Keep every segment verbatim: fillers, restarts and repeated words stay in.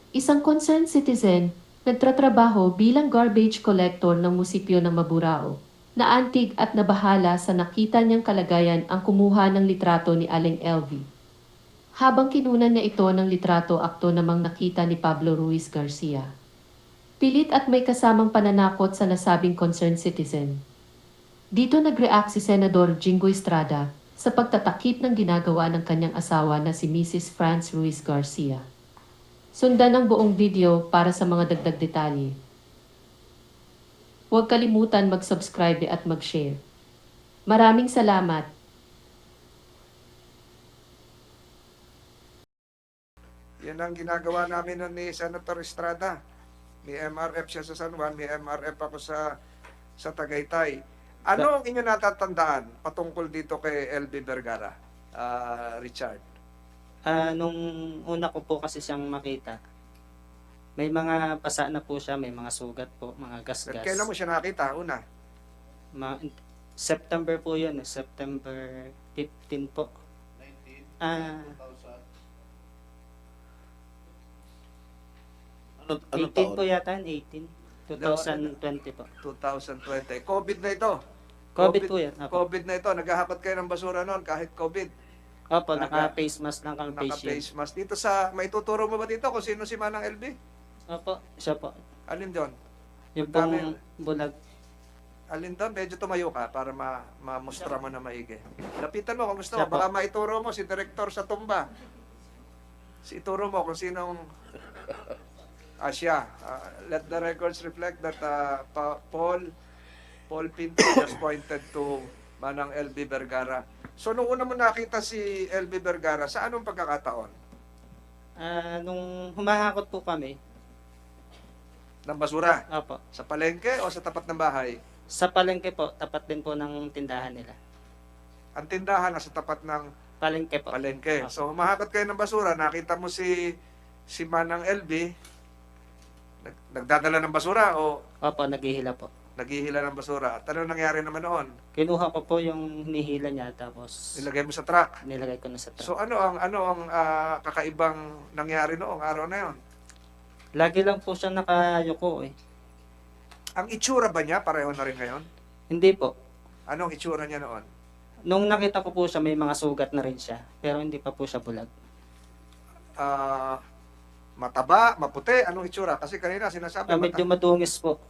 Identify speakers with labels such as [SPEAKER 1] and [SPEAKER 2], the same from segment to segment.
[SPEAKER 1] Isang concerned citizen, nagtatrabaho bilang garbage collector ng musipyo ng Maburao. Naantig at nabahala sa nakita niyang kalagayan ang kumuha ng litrato ni Aling L V. Habang kinunan niya ito ng litrato akto namang nakita ni Pablo Ruiz Garcia. Pilit at may kasamang pananakot sa nasabing concerned citizen. Dito nag-react si Senador Jingo Estrada sa pagtatakip ng ginagawa ng kanyang asawa na si Missus Franz Ruiz Garcia. Sundan ang buong video para sa mga dagdag detalye. Huwag kalimutan mag-subscribe at mag-share. Maraming salamat!
[SPEAKER 2] Yan ang ginagawa namin nun ni Senator Estrada. May M R F siya sa San Juan, may M R F ako sa sa Tagaytay. Ano ang inyo natatandaan patungkol dito kay L B Vergara, ah, Richard?
[SPEAKER 3] Ah, nung una ko po kasi siyang makita, may mga pasa na po siya, may mga sugat po, mga gasgas.
[SPEAKER 2] Kailan mo siya nakita? Una?
[SPEAKER 3] Ma- September po yun, eh, September fifteen po. Ah,
[SPEAKER 4] Ano, anong
[SPEAKER 3] eighteen
[SPEAKER 4] taon?
[SPEAKER 3] po yata, eighteen. twenty twenty po.
[SPEAKER 2] twenty twenty. COVID na ito.
[SPEAKER 3] COVID po yan. Opo,
[SPEAKER 2] COVID na ito. Naghahakot kayo ng basura noon kahit COVID.
[SPEAKER 3] Opo
[SPEAKER 2] Naka-
[SPEAKER 3] naka-face mask lang kang face shield.
[SPEAKER 2] Naka-face mask. Dito sa, maituturo mo ba dito kung sino si Manang L B?
[SPEAKER 3] Opo, siya po.
[SPEAKER 2] Alin doon?
[SPEAKER 3] Yung
[SPEAKER 2] Ang dami.
[SPEAKER 3] pong bulag.
[SPEAKER 2] Alin doon? Medyo tumayo ka para ma mamustra mo na maigi. Lapitan mo kung gusto
[SPEAKER 3] Siya
[SPEAKER 2] mo.
[SPEAKER 3] po.
[SPEAKER 2] Baka maituro mo si Direktor sa tumba. Si ituro mo kung sinong ah, siya. Ah, let the records reflect that ah, Pa- Paul Paul Pinto just pointed to Manang L B Vergara. So, nung una mo nakita si L B Vergara, sa anong pagkakataon?
[SPEAKER 3] Ah, nung humahakot po kami,
[SPEAKER 2] Ng basura?
[SPEAKER 3] opo,
[SPEAKER 2] Sa palengke o sa tapat ng bahay?
[SPEAKER 3] sa palengke po, tapat din po ng tindahan nila.
[SPEAKER 2] Ang tindahan nasa tapat ng
[SPEAKER 3] Palengke po.
[SPEAKER 2] palengke.
[SPEAKER 3] Opo.
[SPEAKER 2] So, humahakot kayo ng basura, nakita mo si si Manang L B, nag, nagdadala ng basura o
[SPEAKER 3] Opo, naghihila po.
[SPEAKER 2] naghihila ng basura. At ano nangyari naman noon?
[SPEAKER 3] Kinuha ko po yung hinihila niya tapos
[SPEAKER 2] Nilagay mo sa truck.
[SPEAKER 3] nilagay ko na sa truck.
[SPEAKER 2] So, ano ang ano ang ah, kakaibang nangyari noong araw na yon?
[SPEAKER 3] Lagi lang po siya nakayuko eh.
[SPEAKER 2] Ang itsura ba niya pareho na rin ngayon?
[SPEAKER 3] Hindi po.
[SPEAKER 2] Anong itsura niya noon?
[SPEAKER 3] Nung nakita ko po siya, may mga sugat na rin siya. Pero hindi pa po siya bulag.
[SPEAKER 2] Ah, mataba, maputi, anong itsura? Kasi kanina sinasabi
[SPEAKER 3] Ah, medyo
[SPEAKER 2] mata-
[SPEAKER 3] madungis po.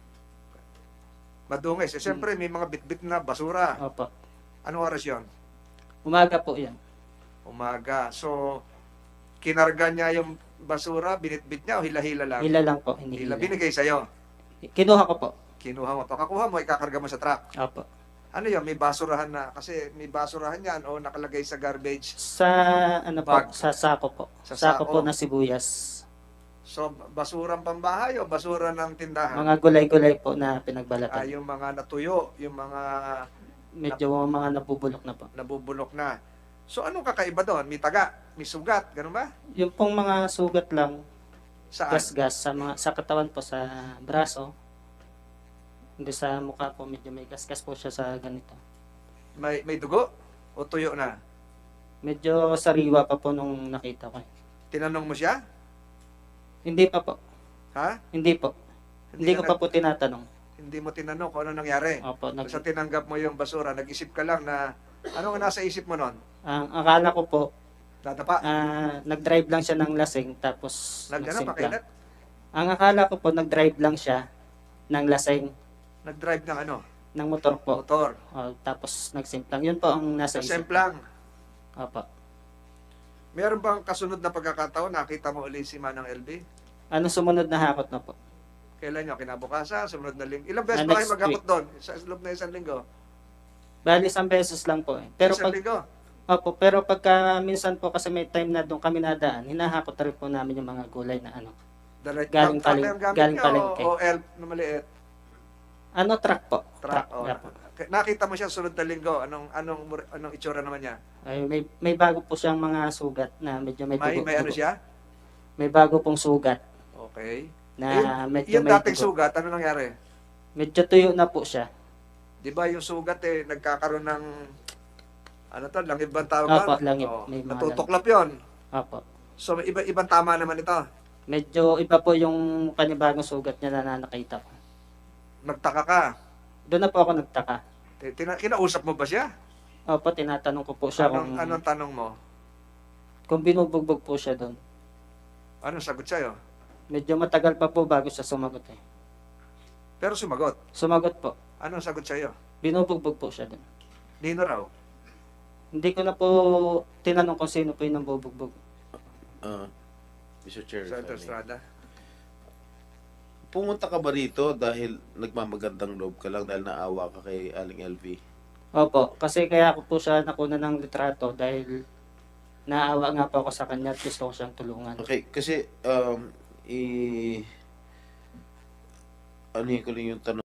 [SPEAKER 2] madungis. Eh, siyempre, may mga bitbit na basura.
[SPEAKER 3] Opo.
[SPEAKER 2] Anong oras yon?
[SPEAKER 3] Umaga po yan.
[SPEAKER 2] Umaga. So, kinarga niya yung basura, binitbit niya o hila-hila lang?
[SPEAKER 3] Hila lang po.
[SPEAKER 2] Hila.
[SPEAKER 3] Hinihila.
[SPEAKER 2] Binigay sa'yo.
[SPEAKER 3] Kinuha ko po.
[SPEAKER 2] Kinuha mo. Pagkakuha mo, ikakarga mo sa truck.
[SPEAKER 3] Opo.
[SPEAKER 2] Ano yun? May basurahan na. Kasi may basurahan yan o nakalagay sa garbage.
[SPEAKER 3] Sa ano po,
[SPEAKER 2] Bag.
[SPEAKER 3] sa sako po.
[SPEAKER 2] Sa
[SPEAKER 3] sako
[SPEAKER 2] sako.
[SPEAKER 3] po na sibuyas.
[SPEAKER 2] So, basurang pambahay o basura ng tindahan?
[SPEAKER 3] Mga gulay-gulay po
[SPEAKER 2] Ah,
[SPEAKER 3] na pinagbalatan.
[SPEAKER 2] yung mga natuyo, yung mga
[SPEAKER 3] Medyo mga nabubulok na po.
[SPEAKER 2] nabubulok na. So, anong kakaiba doon? May taga, may sugat, ganun ba?
[SPEAKER 3] Yung pong mga sugat lang,
[SPEAKER 2] Saan?
[SPEAKER 3] gas-gas sa mga sa katawan po sa braso. Hindi sa mukha po medyo may gas-gas po siya sa ganito.
[SPEAKER 2] May, may dugo o tuyo na?
[SPEAKER 3] Medyo sariwa pa po nung nakita ko.
[SPEAKER 2] Tinanong mo siya?
[SPEAKER 3] Hindi pa po.
[SPEAKER 2] Ha?
[SPEAKER 3] Hindi po. Hindi ko
[SPEAKER 2] ka
[SPEAKER 3] pa po tinatanong.
[SPEAKER 2] Hindi mo tinanong kung ano nangyari.
[SPEAKER 3] Opo, nag,
[SPEAKER 2] Basta tinanggap mo yung basura, nag-isip ka lang na, ano nga nasa isip mo nun?
[SPEAKER 3] ang akala ko po,
[SPEAKER 2] Dadapa?
[SPEAKER 3] ah, nag-drive lang siya ng lasing tapos
[SPEAKER 2] Nag, ano,
[SPEAKER 3] nagsimpla.
[SPEAKER 2] pakailan?
[SPEAKER 3] Ang akala ko po, nag-drive lang siya ng lasing
[SPEAKER 2] Nag-drive ng ano?
[SPEAKER 3] ng motor po.
[SPEAKER 2] Motor.
[SPEAKER 3] O, tapos nagsimplang. Yun po ang nasa
[SPEAKER 2] Sa
[SPEAKER 3] isip.
[SPEAKER 2] semplang.
[SPEAKER 3] Opo.
[SPEAKER 2] Meron bang kasunod na pagkakataon, nakita mo ulit si Manang L B?
[SPEAKER 3] Ano sumunod na hakot na po?
[SPEAKER 2] Kailan nyo? Kinabukasan? Sumunod na linggo? Ilang beses
[SPEAKER 3] Ah,
[SPEAKER 2] ba kayo
[SPEAKER 3] next
[SPEAKER 2] maghakot doon? Sa loob na isang linggo?
[SPEAKER 3] Bali, isang beses lang po eh. Pero
[SPEAKER 2] isang
[SPEAKER 3] pag,
[SPEAKER 2] linggo?
[SPEAKER 3] opo, pero pagka minsan po kasi may time na doon kami nadaan, hinahakot na rin po namin yung mga gulay na ano.
[SPEAKER 2] Dala-
[SPEAKER 3] Galing
[SPEAKER 2] truck
[SPEAKER 3] paling-
[SPEAKER 2] yung gamit
[SPEAKER 3] galing
[SPEAKER 2] niyo
[SPEAKER 3] palengke.
[SPEAKER 2] O, o elf na maliit?
[SPEAKER 3] Ano, truck po.
[SPEAKER 2] Truck. O.
[SPEAKER 3] yeah po.
[SPEAKER 2] Nakita mo siya sunod na linggo. Anong, anong, anong itsura naman niya?
[SPEAKER 3] Ay, may, may bago po siyang mga sugat na medyo may
[SPEAKER 2] May,
[SPEAKER 3] dugo.
[SPEAKER 2] may ano
[SPEAKER 3] dugo.
[SPEAKER 2] siya?
[SPEAKER 3] May bago pong sugat
[SPEAKER 2] Okay.
[SPEAKER 3] na
[SPEAKER 2] yung,
[SPEAKER 3] medyo
[SPEAKER 2] yung
[SPEAKER 3] may
[SPEAKER 2] dating
[SPEAKER 3] dugo.
[SPEAKER 2] sugat, ano nangyari?
[SPEAKER 3] Medyo tuyo na po siya.
[SPEAKER 2] Di ba yung sugat eh, nagkakaroon ng, ano to, langib bang tawag
[SPEAKER 3] Opo,
[SPEAKER 2] doon?
[SPEAKER 3] langib.
[SPEAKER 2] Oo,
[SPEAKER 3] May mga
[SPEAKER 2] natutuklap yon.
[SPEAKER 3] Opo.
[SPEAKER 2] So, may iba, ibang tama naman ito.
[SPEAKER 3] Medyo iba po yung panibagong sugat niya na nakita ko.
[SPEAKER 2] Nagtaka ka.
[SPEAKER 3] Doon na po ako nagtaka.
[SPEAKER 2] Ti- Tina, kinausap mo ba siya?
[SPEAKER 3] Opo, tinatanong ko po siya
[SPEAKER 2] Anong,
[SPEAKER 3] kung,
[SPEAKER 2] anong tanong mo?
[SPEAKER 3] kung binubugbog po siya doon.
[SPEAKER 2] Anong sagot sa'yo?
[SPEAKER 3] Medyo matagal pa po bago siya sumagot eh.
[SPEAKER 2] Pero sumagot.
[SPEAKER 3] Sumagot po.
[SPEAKER 2] Anong sagot sa'yo?
[SPEAKER 3] Binubugbog po siya doon.
[SPEAKER 2] Nino raw.
[SPEAKER 3] Hindi ko na po tinanong kung sino po yung nambubugbog.
[SPEAKER 4] Uh, Mister Chair, if I
[SPEAKER 2] Senator
[SPEAKER 4] may.
[SPEAKER 2] Estrada.
[SPEAKER 4] Pumunta ka ba rito dahil nagmamagandang loob ka lang dahil naawa ka kay Aling L V?
[SPEAKER 3] Opo, kasi kaya ako po siya nakuna ng litrato dahil naawa nga po ako sa kanya at gusto ko siyang tulungan.
[SPEAKER 4] Okay, kasi um, i... ano ko lang yung tanong.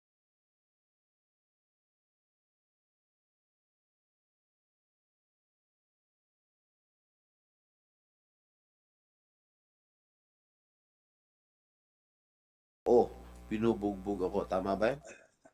[SPEAKER 4] Oh, binubugbog ako. Tama ba yan?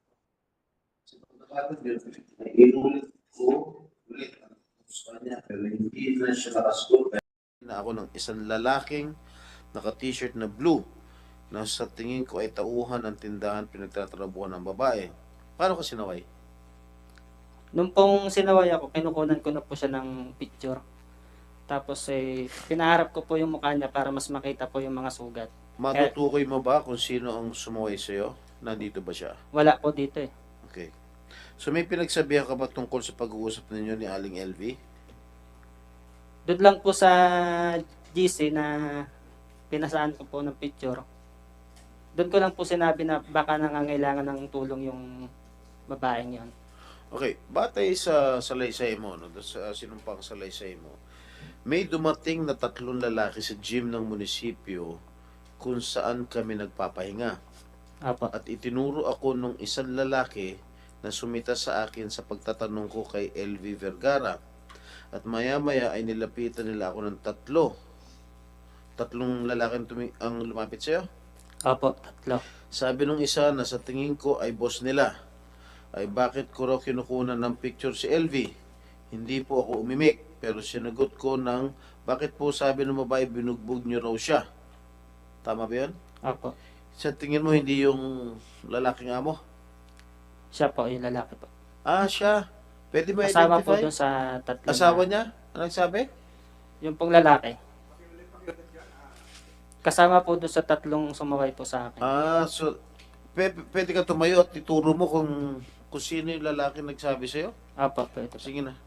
[SPEAKER 5] Inulit ko ulit ang gusto niya pero hindi na siya nakasagot.
[SPEAKER 4] Na ako ng isang lalaking naka-t-shirt na blue na sa tingin ko ay tauhan ng tindahan pinagtatrabuhan ng babae. Paano ka sinaway?
[SPEAKER 3] Nung pong sinaway ako, kinukunan ko na po siya ng picture. Tapos eh, pinaharap ko po yung mukha niya para mas makita po yung mga sugat.
[SPEAKER 4] Matutukoy mo ba kung sino ang sumaway sa'yo? Nandito ba siya?
[SPEAKER 3] Wala po dito eh.
[SPEAKER 4] Okay. So may pinagsabihan ka ba tungkol sa pag-uusap ninyo ni Aling L V?
[SPEAKER 3] Doon lang po sa G C na pinasaan ko po ng picture. Doon ko lang po sinabi na baka nangangailangan ng tulong yung babaeng yon.
[SPEAKER 4] Okay, batay sa salaysay mo, no, sa sinumpang salaysay mo, may dumating na tatlong lalaki sa gym ng munisipyo kung saan kami nagpapahinga.
[SPEAKER 3] Apo.
[SPEAKER 4] At itinuro ako nung isang lalaki na sumita sa akin sa pagtatanong ko kay L V Vergara. At maya-maya ay nilapitan nila ako ng tatlo. Tatlong lalaki ang, tumi- ang lumapit sa'yo.
[SPEAKER 3] Apo, tatlo.
[SPEAKER 4] Sabi nung isa na sa tingin ko ay boss nila, ay bakit ko raw kinukunan ng picture si L V? Hindi po ako umimik, pero sinagot ko ng bakit po sabi ng babae binugbog niyo raw siya. Tama ba yun?
[SPEAKER 3] Apo.
[SPEAKER 4] Sa tingin mo hindi yung lalaking amo?
[SPEAKER 3] Siya po, yung lalaki po.
[SPEAKER 4] Ah, siya. Pwede ba
[SPEAKER 3] Kasama po
[SPEAKER 4] identify?
[SPEAKER 3] doon sa tatlo.
[SPEAKER 4] Asawa
[SPEAKER 3] na-
[SPEAKER 4] niya? Ano nagsabi?
[SPEAKER 3] Yung pong lalaki. Kasama po doon sa tatlong sumaway po sa akin.
[SPEAKER 4] Ah, so pwede, pwede ka tumayo at ituro mo kung kung sino yung lalaki nagsabi sa'yo?
[SPEAKER 3] Apo, pwede.
[SPEAKER 4] Sige na.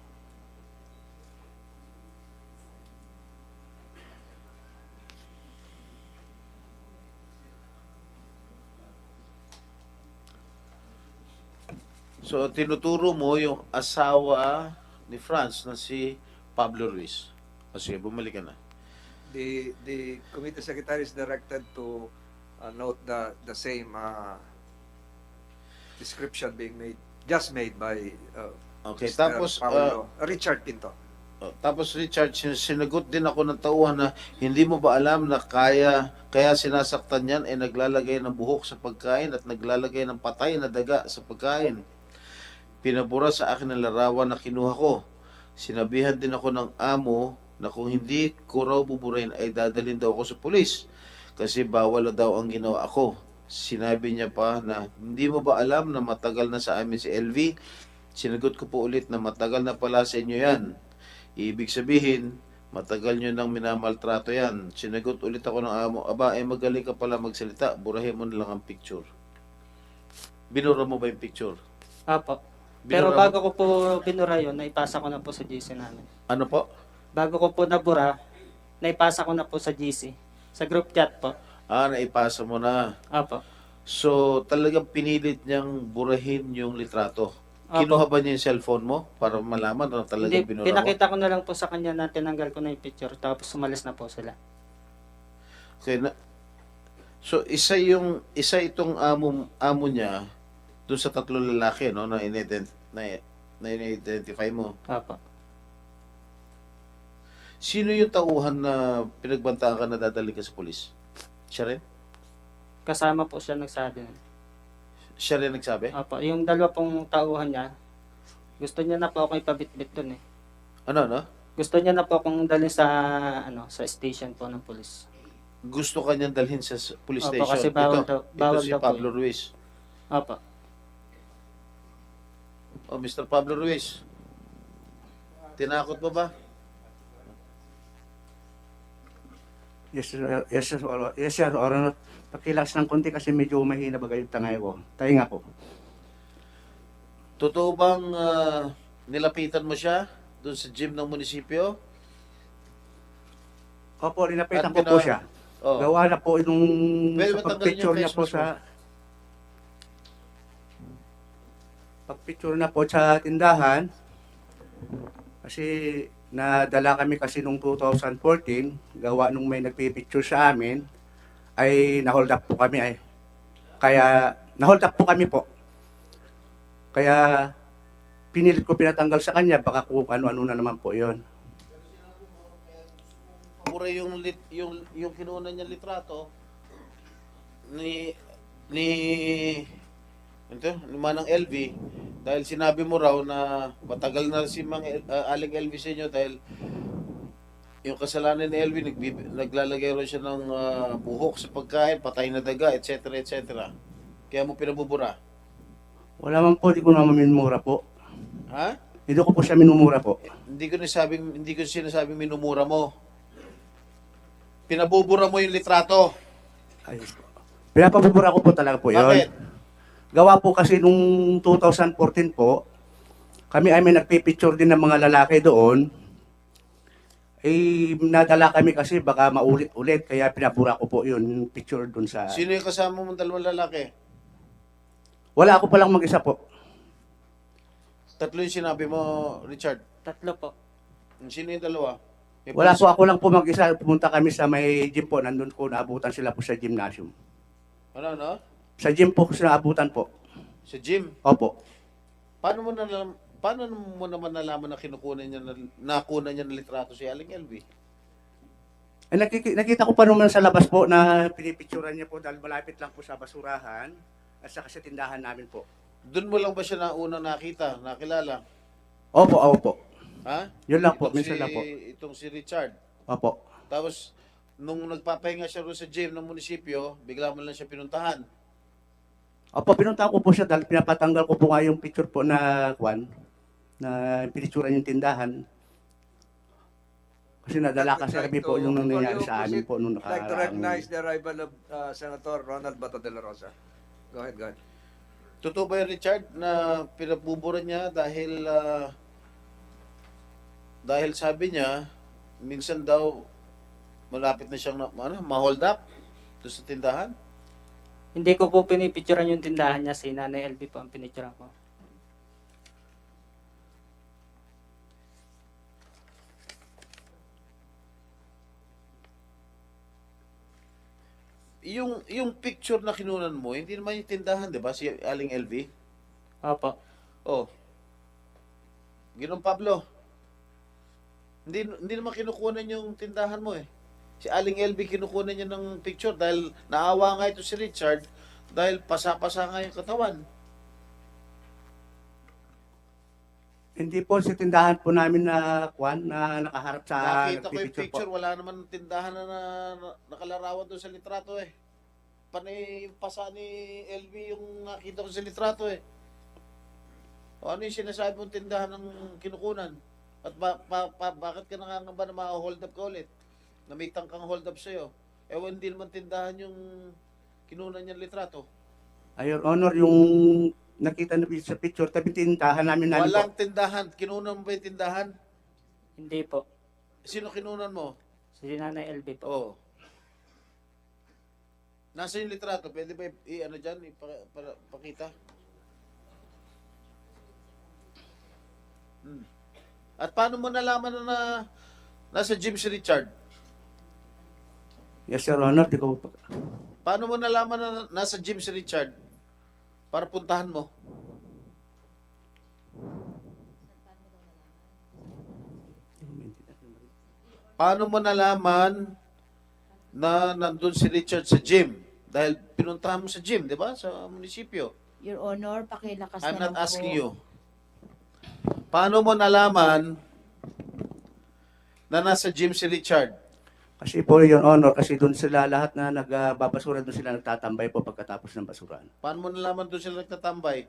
[SPEAKER 4] So, tinuturo mo yung asawa ni Franz na si Pablo Ruiz. O sige, bumalik ka na.
[SPEAKER 2] The the committee secretary is directed to uh, note the the same uh, description being made just made by uh,
[SPEAKER 4] Okay,
[SPEAKER 2] Mister
[SPEAKER 4] tapos,
[SPEAKER 2] Paolo, Richard Pinto.
[SPEAKER 4] Oh, tapos Richard, sin- sinagot din ako ng tauhan na hindi mo ba alam na kaya kaya sinasaktan yan ay naglalagay ng buhok sa pagkain at naglalagay ng patay na daga sa pagkain. Pinabura sa akin ang larawan na kinuha ko. Sinabihan din ako ng amo na kung hindi ko raw buburahin ay dadalhin daw ako sa pulis kasi bawal daw ang ginawa ako. Sinabi niya pa na hindi mo ba alam na matagal na sa amin si L V? Sinagot ko po ulit na matagal na pala sa inyo yan. Ibig sabihin, matagal nyo nang minamaltrato yan. Sinagot ulit ako ng amo, aba, eh magaling ka pala magsalita, burahin mo na lang ang picture. Binura mo ba yung picture?
[SPEAKER 3] Apo. Pero
[SPEAKER 4] Binura mo-
[SPEAKER 3] bago ko po binura yun, naipasa ko na po sa G C namin.
[SPEAKER 4] Ano po?
[SPEAKER 3] Bago ko po nabura, naipasa ko na po sa G C. Sa group chat po.
[SPEAKER 4] Ah, naipasa mo na.
[SPEAKER 3] Apo.
[SPEAKER 4] So, talagang pinilit niyang burahin yung litrato.
[SPEAKER 3] Opo.
[SPEAKER 4] Kinuha ba niya yung cellphone mo para malaman na talagang
[SPEAKER 3] Hindi,
[SPEAKER 4] binura mo?
[SPEAKER 3] pinakita ko na lang po sa kanya na tinanggal ko na yung picture tapos sumalis na po sila.
[SPEAKER 4] Okay, na, so, isa yung, isa itong amo, amo niya doon sa tatlo lalaki, no, na inident, na, na identify mo.
[SPEAKER 3] Apo.
[SPEAKER 4] Sino yung tauhan na pinagbantaan ka na dadali ka sa polis? Siya rin?
[SPEAKER 3] Kasama po siya nagsabi. nun.
[SPEAKER 4] Siya rin nagsabi?
[SPEAKER 3] Apo. Yung dalawa pong tauhan niya, gusto niya na po ako ipabitbit dun eh.
[SPEAKER 4] Ano, no?
[SPEAKER 3] Gusto niya na po akong dalhin sa ano sa station po ng pulis.
[SPEAKER 4] gusto kanyang dalhin sa s- police
[SPEAKER 3] Opo,
[SPEAKER 4] station.
[SPEAKER 3] kasi bawal
[SPEAKER 4] ito,
[SPEAKER 3] daw- bawal
[SPEAKER 4] ito si
[SPEAKER 3] daw po
[SPEAKER 4] Pablo Ruiz.
[SPEAKER 3] Opo.
[SPEAKER 4] Oh, mister Pablo Ruiz. Tinakot mo ba?
[SPEAKER 6] Yes, sir. Yes, sir. Or- Yes, sir. Or, pakilas ng konti kasi medyo mahina bagay yung tangay ko. Tahinga ko.
[SPEAKER 4] Totoo bang ah, nilapitan mo siya doon sa gym ng munisipyo?
[SPEAKER 6] Opo, linapitan
[SPEAKER 4] At
[SPEAKER 6] ko po
[SPEAKER 4] pina-
[SPEAKER 6] siya.
[SPEAKER 4] Oh.
[SPEAKER 6] Gawa na po nung
[SPEAKER 4] Pwede ba
[SPEAKER 6] sa
[SPEAKER 4] tanggalin
[SPEAKER 6] pag-picture
[SPEAKER 4] yung
[SPEAKER 6] niya
[SPEAKER 4] face
[SPEAKER 6] po
[SPEAKER 4] mask
[SPEAKER 6] sa pag-picture na po sa tindahan. Kasi nadala kami kasi nung two thousand fourteen, gawa nung may nagpipicture sa amin, ay na-hold up po kami ay. Kaya na-hold up po kami po. Kaya pinilit ko pinatanggal sa kanya, baka kung ano-ano na naman po yon.
[SPEAKER 4] Pura yung lit, yung yung kinuha niya litrato ni ni ito, ni Manang L V dahil sinabi mo raw na matagal na si Mang El- ah, Aling L V sa inyo dahil yung kasalanan ni L V nagbib- naglalagay raw siya ng ah, buhok sa pagkain, patay na daga, et cetera et cetera. Kaya mo pinabubura.
[SPEAKER 6] Wala man po, di ko naman minumura po.
[SPEAKER 4] Ha?
[SPEAKER 6] Hindi ko po siya minumura po.
[SPEAKER 4] Hindi ko nasabing hindi ko sinasabing minumura mo. Pinabubura mo yung litrato.
[SPEAKER 6] Ayos po. Pinapabubura ko po talaga po
[SPEAKER 4] Bakit?
[SPEAKER 6] yun. Gawa po kasi nung two thousand fourteen po, kami ay may nagpipicture din ng mga lalaki doon. Eh, nadala kami kasi baka maulit-ulit, kaya pinabura ko po yun, yung picture doon sa...
[SPEAKER 4] Sino yung kasama mong dalawang lalaki?
[SPEAKER 6] Wala ako palang mag-isa po.
[SPEAKER 4] Tatlo yung sinabi mo, Richard.
[SPEAKER 3] Tatlo po.
[SPEAKER 4] Sino yung dalawa? May
[SPEAKER 6] Wala
[SPEAKER 4] pulis-
[SPEAKER 6] po, ako lang po mag-isa. Pumunta kami sa may gym po, nandun ko, naabutan sila po sa gymnasium.
[SPEAKER 4] Ano, ano?
[SPEAKER 6] Sa gym po, naabutan po.
[SPEAKER 4] Sa gym.
[SPEAKER 6] Opo.
[SPEAKER 4] Paano mo nalam, paano mo naman nalaman na kinukunan niya na nakuha niya ng litrato si Aling L V?
[SPEAKER 6] Eh, nakiki- nakita ko pa naman sa labas po na pinipicturan niya po dahil malapit lang po sa basurahan at saka sa tindahan namin po.
[SPEAKER 4] Doon mo lang ba siya na unang nakita, nakilala?
[SPEAKER 6] Opo, opo.
[SPEAKER 4] Ha?
[SPEAKER 6] Yun lang po,
[SPEAKER 4] Itong
[SPEAKER 6] minsan
[SPEAKER 4] si,
[SPEAKER 6] lang po.
[SPEAKER 4] Itong si Richard.
[SPEAKER 6] Opo.
[SPEAKER 4] Tapos, nung nagpapahinga siya roon sa gym ng munisipyo, bigla mo lang siya pinuntahan.
[SPEAKER 6] Opo, pinuntahan ko po siya dahil pinapatanggal ko po nga yung picture po na kwan, na pinicturan yung tindahan. Kasi nadala kasi kami po yung nangyayari sa amin po nung
[SPEAKER 2] I'd like to
[SPEAKER 6] nakaraang...
[SPEAKER 2] recognize the arrival of uh, Senator Ronald Bato de la Rosa. Go ahead, go ahead.
[SPEAKER 4] Totoo ba yun, Richard, na pinabubura niya dahil ah, dahil sabi niya, minsan daw malapit na siyang na, ano, ma-hold up doon sa tindahan?
[SPEAKER 3] Hindi ko po pinipicturean yung tindahan niya, si Nanay L V po ang pinicturean ko.
[SPEAKER 4] Yung yung picture na kinunan mo, hindi naman yung tindahan, 'di ba? Si Aling L V.
[SPEAKER 3] Opo.
[SPEAKER 4] Oh. Ginong Pablo. Hindi hindi naman kinukunan yung tindahan mo eh. Si Aling L V kinukunan niya ng picture dahil naawa nga ito si Richard dahil pasa-pasa nga yung katawan.
[SPEAKER 6] Hindi po sa tindahan po namin na kwan, na nakaharap sa
[SPEAKER 4] Nakita ko yung
[SPEAKER 6] nagpipicture
[SPEAKER 4] picture,
[SPEAKER 6] po.
[SPEAKER 4] wala naman tindahan na, na, na nakalarawan doon sa litrato eh. Panay yung pasa ni L V yung nakita ko sa litrato eh. O ano yung sinasabi mong tindahan ng kinukunan? At ba, pa, pa, bakit ka nangangamba na ma-hold up ka ulit? Na may tangkang hold up sa'yo. Eh hindi naman tindahan yung kinunan niyang litrato.
[SPEAKER 6] Ayon, Honor, yung nakita na sa picture, tabi tindahan namin namin po.
[SPEAKER 4] Walang tindahan. Kinunan mo ba yung tindahan?
[SPEAKER 3] Hindi po.
[SPEAKER 4] Sino kinunan mo?
[SPEAKER 3] Si Nanay L V po.
[SPEAKER 4] Oo. Nasa yung litrato, pwede ba i- i-ano dyan, ipa- para, pakita? Hmm. At paano mo nalaman na, na nasa gym si Richard?
[SPEAKER 6] Yes, Sir Honor, di ko po.
[SPEAKER 4] Paano mo nalaman na nasa gym si Richard? Para puntahan mo. Paano mo nalaman na nandun si Richard sa gym? Dahil pinuntahan mo sa gym, di ba? Sa munisipyo.
[SPEAKER 7] Your Honor, pakilakas
[SPEAKER 4] I'm
[SPEAKER 7] na
[SPEAKER 4] not
[SPEAKER 7] lang
[SPEAKER 4] asking
[SPEAKER 7] po.
[SPEAKER 4] you. Paano mo nalaman na nasa gym si Richard?
[SPEAKER 6] Kasi po, Your Honor, kasi doon sila lahat na nagbabasura, doon sila nagtatambay po pagkatapos ng basurahan.
[SPEAKER 4] Paano mo nalaman doon sila nagtatambay?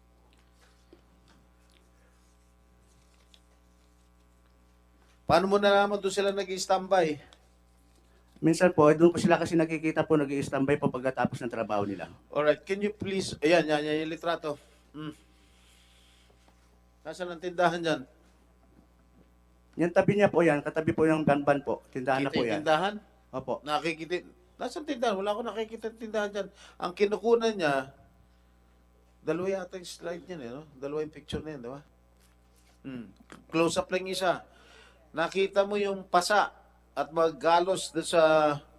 [SPEAKER 4] Paano mo nalaman doon sila nag-standby?
[SPEAKER 6] Minsan po, doon po sila kasi nakikita po nag standby po pagkatapos ng trabaho nila.
[SPEAKER 4] Alright, can you please, ayan, yan, yan yung litrato. Hmm. Nasaan ang tindahan dyan?
[SPEAKER 6] Yan tabi niya po yan, katabi po yung banban po. Tindahan na
[SPEAKER 4] Kita
[SPEAKER 6] po
[SPEAKER 4] yung
[SPEAKER 6] yan.
[SPEAKER 4] tindahan?
[SPEAKER 6] Opo.
[SPEAKER 4] Nakikita, nasaan tindahan? Wala akong nakikita yung tindahan dyan. Ang kinukunan niya, dalawa yata yung slide niyan, eh, no? Dalawa yung picture na yan, di ba? Hmm. Close up lang isa. Nakita mo yung pasa at maggalos doon sa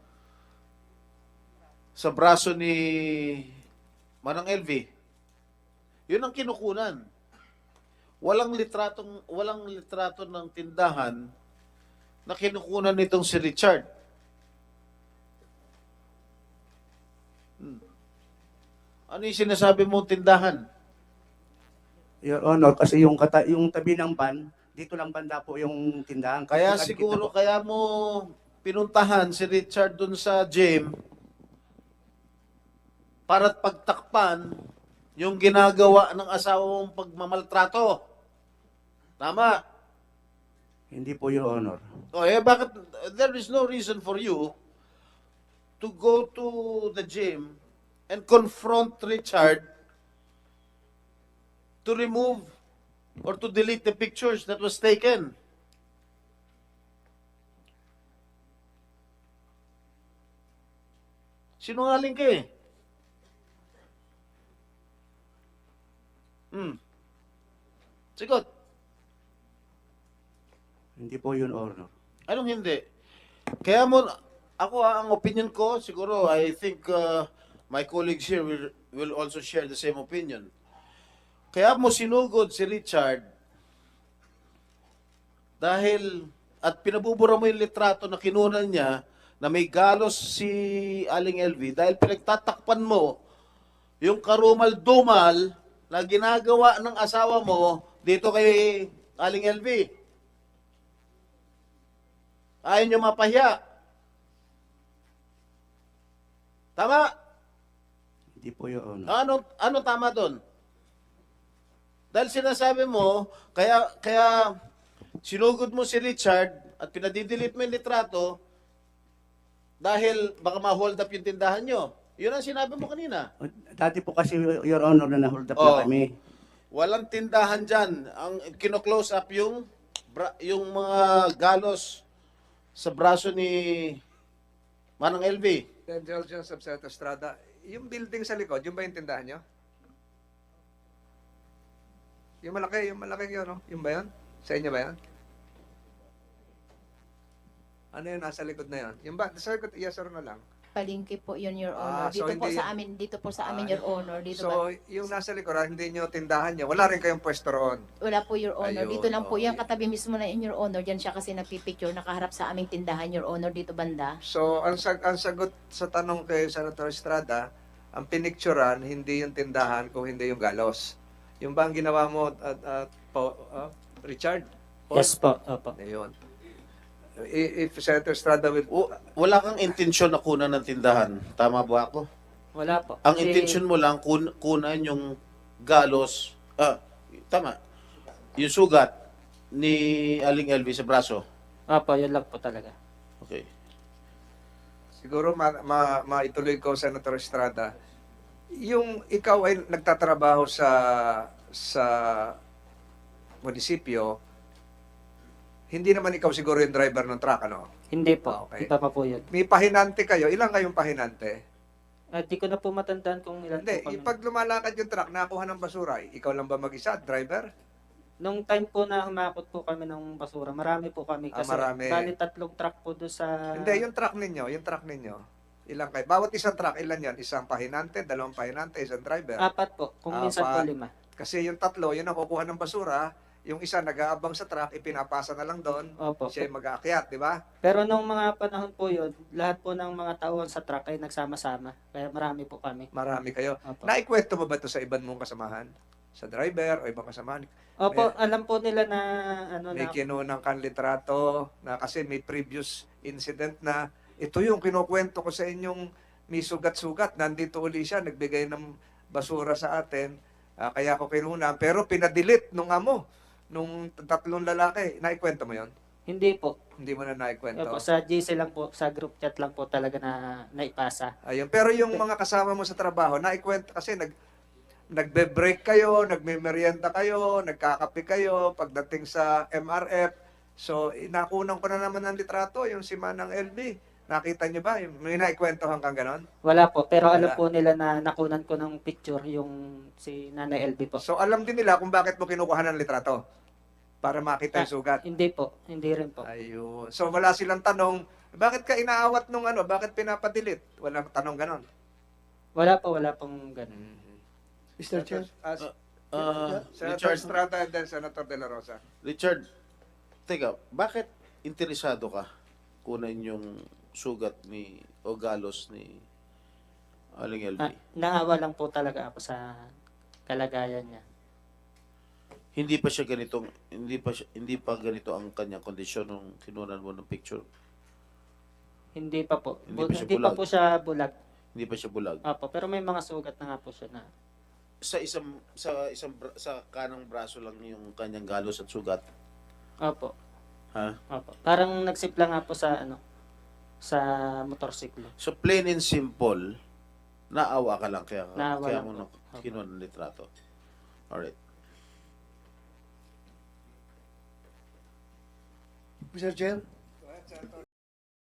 [SPEAKER 4] sa braso ni Manang L V. Yun ang kinukunan. Walang litratong walang litrato ng tindahan na kinukunan nitong si Richard. Hmm. Ano yung sinasabi mong tindahan?
[SPEAKER 6] Your Honor, kasi yung, kata, yung tabi ng ban, dito lang banda po yung tindahan. Kasi
[SPEAKER 4] Kaya
[SPEAKER 6] nakikita
[SPEAKER 4] siguro,
[SPEAKER 6] po.
[SPEAKER 4] kaya mo pinuntahan si Richard dun sa gym para pagtakpan yung ginagawa ng asawa mong pagmamaltrato. Tama?
[SPEAKER 6] Hindi po, Your Honor.
[SPEAKER 4] O eh, bakit, there is no reason for you to go to the gym and confront Richard to remove or to delete the pictures that was taken. Sinungaling ka eh. Hmm. Sigot.
[SPEAKER 6] Hindi po, Your Honor.
[SPEAKER 4] Anong hindi? Kaya mo, ako ah, ang opinion ko, siguro, I think uh, my colleagues here will, will also share the same opinion. Kaya mo sinugod si Richard dahil at pinabubura mo yung litrato na kinunan niya na may galos si Aling L V dahil pinagtatakpan mo yung karumal-dumal na ginagawa ng asawa mo dito kay Aling L V. Ayaw nyo mapahiya. Tama?
[SPEAKER 6] Hindi po, Your Honor.
[SPEAKER 4] Ano, ano tama doon? Dahil sinasabi mo, kaya, kaya sinugod mo si Richard at pinadidelete mo yung litrato dahil baka ma-hold up yung tindahan nyo. Yun ang sinabi mo kanina.
[SPEAKER 6] Dati po kasi, Your Honor, na na-hold up
[SPEAKER 4] Oh.
[SPEAKER 6] na kami.
[SPEAKER 4] Walang tindahan dyan. Ang kino-close up yung, bra, yung mga galos sa braso ni Manang L V.
[SPEAKER 2] The Indulgence of Senator Estrada, yung building sa likod, yung ba yung tindahan nyo? Yung malaki, yung malaki yun, no? Yung ba yun? Sa inyo ba yun? Ano yun, nasa likod na yun? Yung ba, sa likod, yes or no lang?
[SPEAKER 7] Palengke po yun, Your
[SPEAKER 2] Ah,
[SPEAKER 7] Honor.
[SPEAKER 2] so
[SPEAKER 7] Dito po
[SPEAKER 2] hindi-
[SPEAKER 7] sa amin, dito po sa amin,
[SPEAKER 2] Ah,
[SPEAKER 7] Your Honor. Dito
[SPEAKER 2] So,
[SPEAKER 7] ba?
[SPEAKER 2] yung nasa likod, hindi nyo tindahan nyo, wala rin kayong pwesto roon.
[SPEAKER 7] Wala po, Your Honor.
[SPEAKER 2] Ayun,
[SPEAKER 7] Dito lang po,
[SPEAKER 2] okay.
[SPEAKER 7] yan katabi mismo na in Your Honor. Diyan siya kasi nagpipicture, nakaharap sa aming tindahan, Your Honor, dito banda.
[SPEAKER 2] So, ang, sag ang sagot sa tanong kay Senator Estrada, ang pinicturan, hindi yung tindahan, kung hindi yung galos. Yung ba ang ginawa mo, at, at, po, ah, Richard? Paul?
[SPEAKER 3] Yes po. Opo.
[SPEAKER 2] Ayun. I- If Senator Estrada will...
[SPEAKER 4] O, wala kang intensyon na kunan ng tindahan. Tama ba ako?
[SPEAKER 3] Wala po.
[SPEAKER 4] Ang
[SPEAKER 3] Kasi-
[SPEAKER 4] intention mo lang kun kunan yung galos, ah, tama, yung sugat ni Aling L V sa braso.
[SPEAKER 3] Opo, yun lang po talaga.
[SPEAKER 4] Okay.
[SPEAKER 2] Siguro ma, ma, maituloy ko, Senator Estrada, yung ikaw ay nagtatrabaho sa sa munisipyo, hindi naman ikaw siguro yung driver ng truck, ano?
[SPEAKER 3] Hindi po.
[SPEAKER 2] Ah, okay.
[SPEAKER 3] Iba pa po yun.
[SPEAKER 2] May pahinante kayo. Ilan kayong pahinante?
[SPEAKER 3] At di ko na po matandaan kung ilan
[SPEAKER 2] Hindi,
[SPEAKER 3] po kami.
[SPEAKER 2] yung pag lumalakad yung truck, nakuha ng basura, ikaw lang ba mag-isa, driver?
[SPEAKER 3] Nung time po na humakot po kami ng basura, marami po kami.
[SPEAKER 2] Ah,
[SPEAKER 3] Kasi
[SPEAKER 2] marami.
[SPEAKER 3] bali tatlong truck po doon sa...
[SPEAKER 2] Hindi, yung truck ninyo, yung truck ninyo. Ilan kayo? Bawat isang truck, ilan yan? Isang pahinante, dalawang pahinante, isang driver.
[SPEAKER 3] Apat po. Kung minsan po
[SPEAKER 2] Apat.
[SPEAKER 3] lima.
[SPEAKER 2] Kasi yung tatlo, yun ang kukuha ng basura. Yung isa nag-aabang sa truck, ipinapasa na lang doon.
[SPEAKER 3] Opo.
[SPEAKER 2] Siya yung mag-aakyat, di ba?
[SPEAKER 3] Pero nung mga panahon po yun, lahat po ng mga tauhan sa truck ay nagsama-sama. Kaya marami po kami.
[SPEAKER 2] Marami kayo.
[SPEAKER 3] Opo.
[SPEAKER 2] Naikwento mo ba ito sa ibang mong kasamahan? sa driver o ibang kasamahan.
[SPEAKER 3] Opo,
[SPEAKER 2] May-
[SPEAKER 3] alam po nila na ano
[SPEAKER 2] May
[SPEAKER 3] na
[SPEAKER 2] kinunang kang litrato na kasi may previous incident na ito yung kinukwento ko sa inyong may sugat-sugat. Nandito uli siya, nagbigay ng basura sa atin. Ah, kaya ko kinuna. Pero pinadilit nung amo, nung tatlong lalaki. Naikwento mo yon?
[SPEAKER 3] hindi po.
[SPEAKER 2] Hindi mo na naikwento.
[SPEAKER 3] Opo, sa G C lang po, sa group chat lang po talaga na naipasa.
[SPEAKER 2] Ayun. Pero yung mga kasama mo sa trabaho, naikwento kasi nag nagbe-break kayo, nagme-merienda kayo, nagkakape kayo pagdating sa M R F. So, nakunan ko na naman ng litrato, yung si Manang L B. Nakita niyo ba? Yung- May naikwentohan kang ganon?
[SPEAKER 3] Wala po, pero alam
[SPEAKER 2] Wala.
[SPEAKER 3] po nila na nakunan ko ng picture yung si Nanay L B po.
[SPEAKER 2] So, alam din nila kung bakit mo kinukuha ng litrato. Para makita yung sugat.
[SPEAKER 3] Hindi po, hindi rin po.
[SPEAKER 2] Ayun. So, wala silang tanong, bakit ka inaawat nung ano? Bakit pinapadilit? Walang tanong ganon.
[SPEAKER 3] Wala po, wala pong ganun.
[SPEAKER 8] Mister Chair,
[SPEAKER 2] As,
[SPEAKER 4] Ah,
[SPEAKER 2] Senator
[SPEAKER 4] Richard,
[SPEAKER 2] Estrada and then Senator De La Rosa.
[SPEAKER 4] Richard, teka, bakit interesado ka kunin yung sugat ni o galos ni Aling L V?
[SPEAKER 3] Ah, naawa lang po talaga ako sa kalagayan niya.
[SPEAKER 4] Hindi pa siya ganitong hindi pa siya, hindi pa ganito ang kanyang kondisyon nung kinunan mo ng picture.
[SPEAKER 3] Hindi pa po.
[SPEAKER 4] Hindi
[SPEAKER 3] Bu-
[SPEAKER 4] pa siya
[SPEAKER 3] Hindi pa
[SPEAKER 4] bulag.
[SPEAKER 3] po siya bulag.
[SPEAKER 4] Hindi pa siya bulag.
[SPEAKER 3] Opo, pero may mga sugat na nga po siya na.
[SPEAKER 4] Sa isang sa isang bra- sa kanang braso lang yung kanyang galos at sugat.
[SPEAKER 3] Opo,
[SPEAKER 4] Ha?
[SPEAKER 3] opo. Parang nagsipla nga po sa ano, sa motorsiklo.
[SPEAKER 4] So plain and simple, naawa ka lang kaya
[SPEAKER 3] Naawa
[SPEAKER 4] kaya
[SPEAKER 3] lang
[SPEAKER 4] mo
[SPEAKER 3] po.
[SPEAKER 4] na kinuha ng litrato. Alright.
[SPEAKER 8] Mister Chair,